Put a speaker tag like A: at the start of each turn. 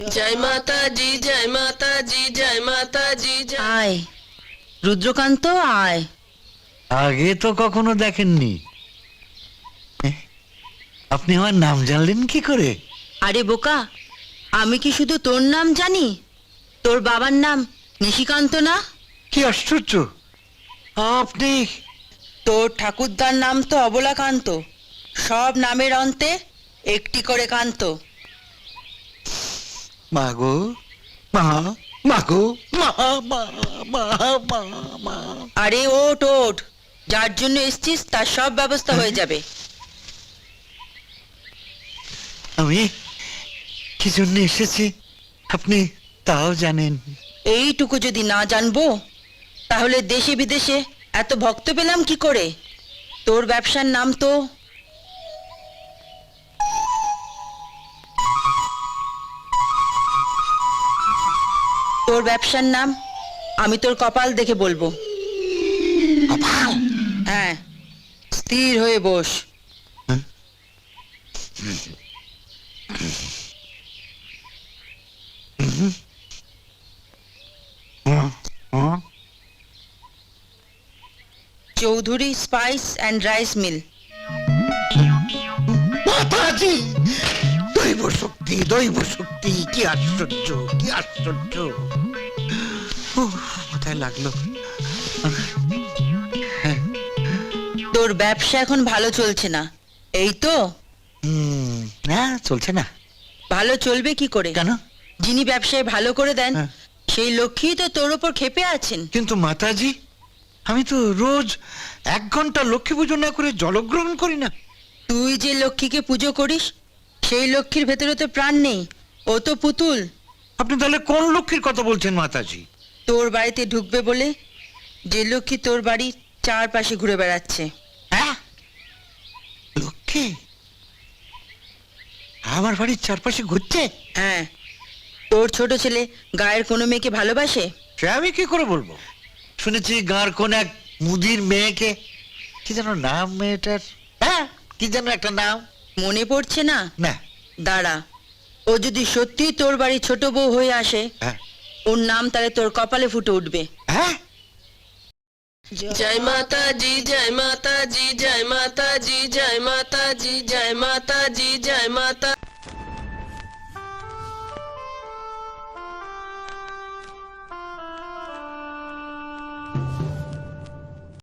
A: জয় মাতাজি, জয় মাতাজি, জয় মাতাজি।
B: আয় রুদ্রকান্ত, আয়।
C: আগে তো কখনো দেখেননি। আপনি আমার নাম জানলেন কি করে?
B: আরে বোকা, আমি কি শুধু তোর নাম জানি? তোর বাবার নাম নিশিকান্ত না?
C: কি আশ্চর্য! আপনি
B: তোর ঠাকুরদার নাম তো অবলাকান্ত। সব নামের অন্তে একটি করে কান্ত।
C: মাগো, মা, মাগো, মা, মা, মা, মা, মা।
B: আরে ওঠ ওঠ, যার জন্য এসছিস তার সব ব্যবস্থা হয়ে যাবে।
C: আমি কি জন্য এসেছি আপনি তাও জানেন?
B: এইটুকু যদি না জানবো তাহলে দেশে বিদেশে এত ভক্ত পেলাম কি করে? তোর ব্যবসার নাম তো তোর ব্যবসার নাম আমি তোর কপাল দেখে বলবো। হ্যাঁ, স্থির হয়ে বস। Chowdhury spice and rice mill.
C: মাতাজি, দৈব শক্তি, দৈব শক্তি! কি আশ্চর্য, কি আশ্চর্য! কোথায় লাগলো?
B: তোর ব্যবসা এখন ভালো চলছে না, এই তো?
C: না, চলছে না।
B: ভালো চলবে কি করে?
C: কেন?
B: যিনি ব্যবসায় ভালো করে দেন
C: হ্যাঁ।
B: সেই লক্ষ্মী তো তোর ওপর ক্ষেপে আছেন।
C: কিন্তু মাতাজি, আমি তো রোজ 1 ঘন্টা লক্ষ্মী পুজো না করে জলগ্রহণ করি না।
B: তুই যে লক্ষ্মীকে পুজো করিস সেই লক্ষ্মীর ভেতরে তো প্রাণ নেই, ও তো পুতুল।
C: আপনি তাহলে কোন লক্ষ্মীর কথা বলছেন মাতাজি?
B: তোর বাড়িতে ঢুকবে বলে যে লক্ষ্মী তোর বাড়ির চারপাশে ঘুরে বেড়াচ্ছে।
C: হ্যাঁ, লক্ষ্মী আমার বাড়ির চারপাশে ঘুরছে?
B: হ্যাঁ, তোর ছোট ছেলে গায়ের কোনো মেয়েকে ভালোবাসে?
C: সে আমি কি করে বলবো? শুনেছি গাঁর কোন এক মুদির মেয়েকে, কি যেন নাম মেয়েটার, হ্যাঁ কি যেন একটা নাম।
B: মনে পড়ছে না?
C: না।
B: দাঁড়া, ও যদি সত্যি তোর বাড়ি ছোট বউ হয়ে আসে,
C: হ্যাঁ।
B: ওর নাম তাহলে তোর কপালে ফুটে উঠবে।
C: হ্যাঁ,
A: জয় মাতাজি, জয় মাতাজি, জয় মাতা।